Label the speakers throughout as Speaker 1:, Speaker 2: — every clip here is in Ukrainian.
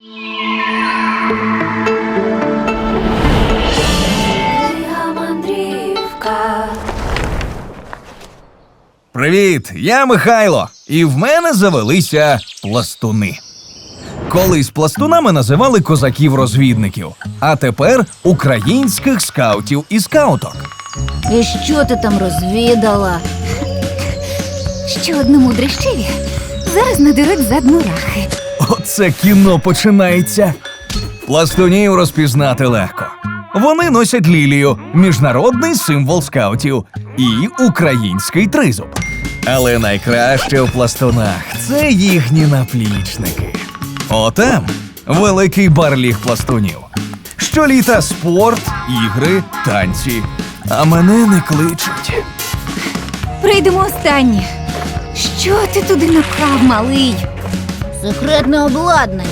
Speaker 1: Привіт, я Михайло, і в мене завелися пластуни. Колись пластунами називали козаків-розвідників, а тепер українських скаутів і скауток.
Speaker 2: І що ти там розвідала?
Speaker 3: Що одному дрищеві зараз надеруть задну рахи.
Speaker 1: Оце кіно починається. Пластунів розпізнати легко. Вони носять лілію – міжнародний символ скаутів, і український тризуб. Але найкраще в пластунах – це їхні наплічники. Отам великий барліг пластунів. Щоліта спорт, ігри, танці. А мене не кличуть.
Speaker 3: Прийдемо останні. Що ти туди наклав, малий?
Speaker 2: Секретне обладнання.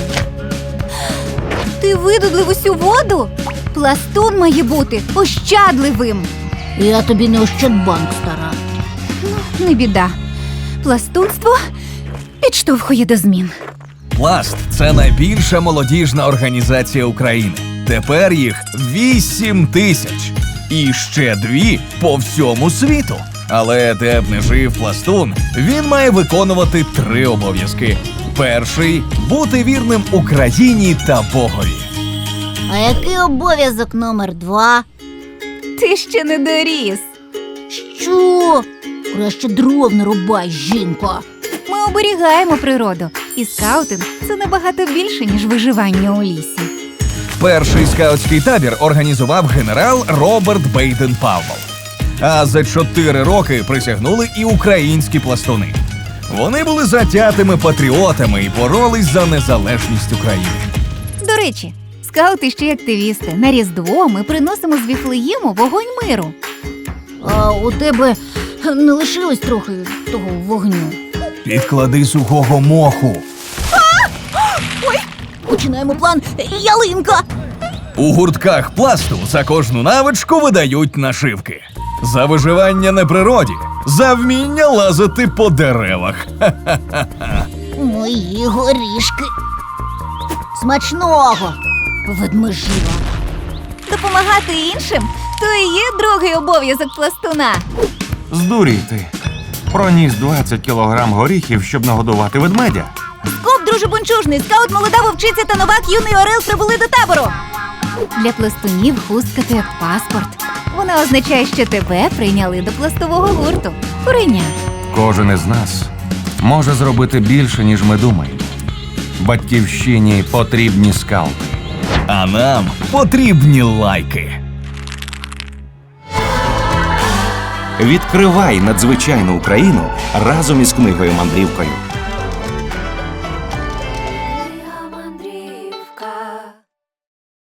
Speaker 3: Ти видудлив усю воду? Пластун має бути ощадливим.
Speaker 2: Я тобі не Ощадбанк, стара.
Speaker 3: Не біда. Пластунство підштовхує до змін.
Speaker 1: Пласт – це найбільша молодіжна організація України. Тепер їх 8 тисяч. І ще 2 по всьому світу. Але де б не жив пластун, він має виконувати 3 обов'язки. Перший – бути вірним Україні та Богові.
Speaker 2: А який обов'язок номер 2?
Speaker 3: Ти ще не доріс.
Speaker 2: Що? Краще дров не рубай, жінко.
Speaker 3: Ми оберігаємо природу. І скаутинг – це набагато більше, ніж виживання у лісі.
Speaker 1: Перший скаутський табір організував генерал Роберт Бейден-Павел. А за 4 роки присягнули і українські пластуни. Вони були затятими патріотами і боролись за незалежність України.
Speaker 3: До речі, скаути ще й активісти. На Різдво ми приносимо з Віфлеєму вогонь миру.
Speaker 2: А у тебе не лишилось трохи того вогню?
Speaker 1: Підклади сухого моху.
Speaker 2: Починаємо план ялинка.
Speaker 1: У гуртках пласту за кожну навичку видають нашивки. За виживання на природі, за вміння лазити по деревах.
Speaker 2: Мої горішки. Смачного, ведмежіва.
Speaker 3: Допомагати іншим – то і є другий обов'язок пластуна.
Speaker 4: Здурійте. Проніс 20 кілограм горіхів, щоб нагодувати ведмедя.
Speaker 3: Скоп, друже бунчужний, скаут, молода вовчиця та новак юний орел прибули до табору. Для пластунів хустка – то як паспорт. Вона означає, що тебе прийняли до пластового гурту. Куреня.
Speaker 4: Кожен із нас може зробити більше, ніж ми думаємо. Батьківщині потрібні скаути.
Speaker 1: А нам потрібні лайки.
Speaker 5: Відкривай надзвичайну Україну разом із книгою-мандрівкою.